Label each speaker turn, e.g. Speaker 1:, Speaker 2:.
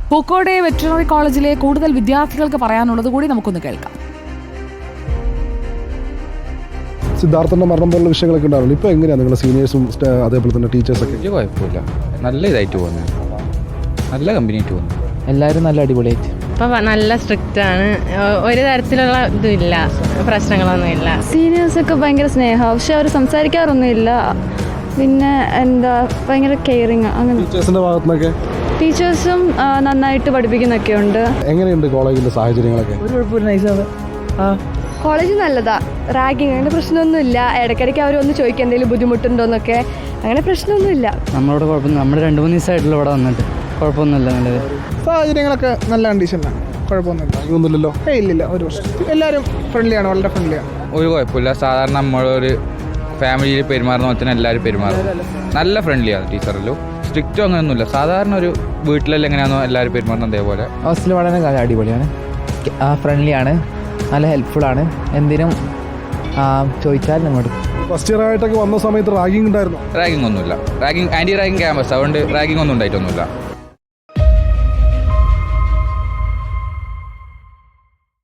Speaker 1: Pookode veterinary കോളേജിലെ കൂടുതൽ വിദ്യാർത്ഥികൾക്ക് പറയാനുള്ളത് കൂടി നമുക്കൊന്ന് കേൾക്കാം.
Speaker 2: സിദ്ധാർത്ഥന്റെ മരണം പോലുള്ള വിഷയങ്ങളൊക്കെ ഉണ്ടാവില്ല. ഇപ്പോൾ എങ്ങനെയാണ് നിങ്ങളുടെ സീനിയേഴ്സും അതേപോലെ തന്നെ ടീച്ചേഴ്സൊക്കെ?
Speaker 3: വലിയ കുഴപ്പമില്ല, നല്ല ഇതായിട്ട് പോകുന്നത്, നല്ല കമ്പനിയായിട്ട് പോകുന്നു.
Speaker 4: എല്ലാവരും നല്ല അടിപൊളിയായിട്ട്.
Speaker 5: ഇപ്പം നല്ല സ്ട്രിക്റ്റ് ആണ്, ഒരു തരത്തിലുള്ള ഇതുമില്ല, പ്രശ്നങ്ങളൊന്നുമില്ല.
Speaker 6: സീനിയേഴ്സൊക്കെ ഭയങ്കര സ്നേഹമാണ്, പക്ഷെ അവർ സംസാരിക്കാറൊന്നുമില്ല. പിന്നെ ഭയങ്കര കെയറിങ്. അങ്ങനെ
Speaker 2: ടീച്ചേഴ്സിന്റെ ഭാഗത്തുനിന്നൊക്കെ
Speaker 6: ടീച്ചേഴ്സും നന്നായിട്ട് പഠിപ്പിക്കുന്നൊക്കെ ഉണ്ട്.
Speaker 2: എങ്ങനെയുണ്ട് കോളേജിന്റെ സാഹചര്യങ്ങളൊക്കെ?
Speaker 4: ഒരു കുഴപ്പമില്ല, നൈസാണ്.
Speaker 6: കോളേജ് നല്ലതാ, റാഗിങ് അങ്ങനെ പ്രശ്നമൊന്നുമില്ല. ഇടയ്ക്കിടയ്ക്ക് അവർ ഒന്ന് ചോദിക്കുക എന്തെങ്കിലും ബുദ്ധിമുട്ടുണ്ടോന്നൊക്കെ, അങ്ങനെ പ്രശ്നമൊന്നുമില്ല.
Speaker 4: നമ്മളോട് കുഴപ്പമൊന്നും, നമ്മുടെ 2-3 ദിവസമായിട്ടുള്ള ഇവിടെ വന്നിട്ട് കുഴപ്പമൊന്നുമില്ല. നല്ലത്
Speaker 7: സാഹചര്യങ്ങളൊക്കെ നല്ല കണ്ടീഷനിലാണ്, കുഴപ്പമൊന്നുമില്ല.
Speaker 2: ഒന്നുമില്ലല്ലോ?
Speaker 7: ഇല്ലില്ല, ഒരു പ്രശ്നം. എല്ലാവരും ഫ്രണ്ട്ലിയാണ്, വളരെ ഫ്രണ്ട്ലിയാണ്.
Speaker 3: ഒരു കുഴപ്പമില്ല, സാധാരണ നമ്മളൊരു ഫാമിലിയിൽ പെരുമാറുന്ന പോലെ തന്നെ എല്ലാവരും പെരുമാറും. നല്ല ഫ്രണ്ട്ലിയാണ് ടീച്ചറല്ലോ, സ്ട്രിക്റ്റോ അങ്ങനെയൊന്നുമില്ല. സാധാരണ ഒരു വീട്ടിലെല്ലാം എങ്ങനെയാണോ എല്ലാവരും പെരുമാറുന്നത് അതേപോലെ.
Speaker 4: ഹോസ്റ്റൽ വളരെ അടിപൊളിയാണ്, ഫ്രണ്ട്ലിയാണ്, നല്ല ഹെൽപ്ഫുള്ളാണ്. എന്തിനും ചോദിച്ചാൽ നമ്മോട്.
Speaker 2: ഫസ്റ്റ് ഇയർ ആയിട്ടൊക്കെ വന്ന സമയത്ത് റാഗിങ് ഉണ്ടായിരുന്നു?
Speaker 3: റാഗിങ് ഒന്നുമില്ല, ആൻറ്റി റാഗിങ് ക്യാമ്പസ്, അതുകൊണ്ട് റാഗിങ് ഒന്നും ഉണ്ടായിട്ടൊന്നുമില്ല.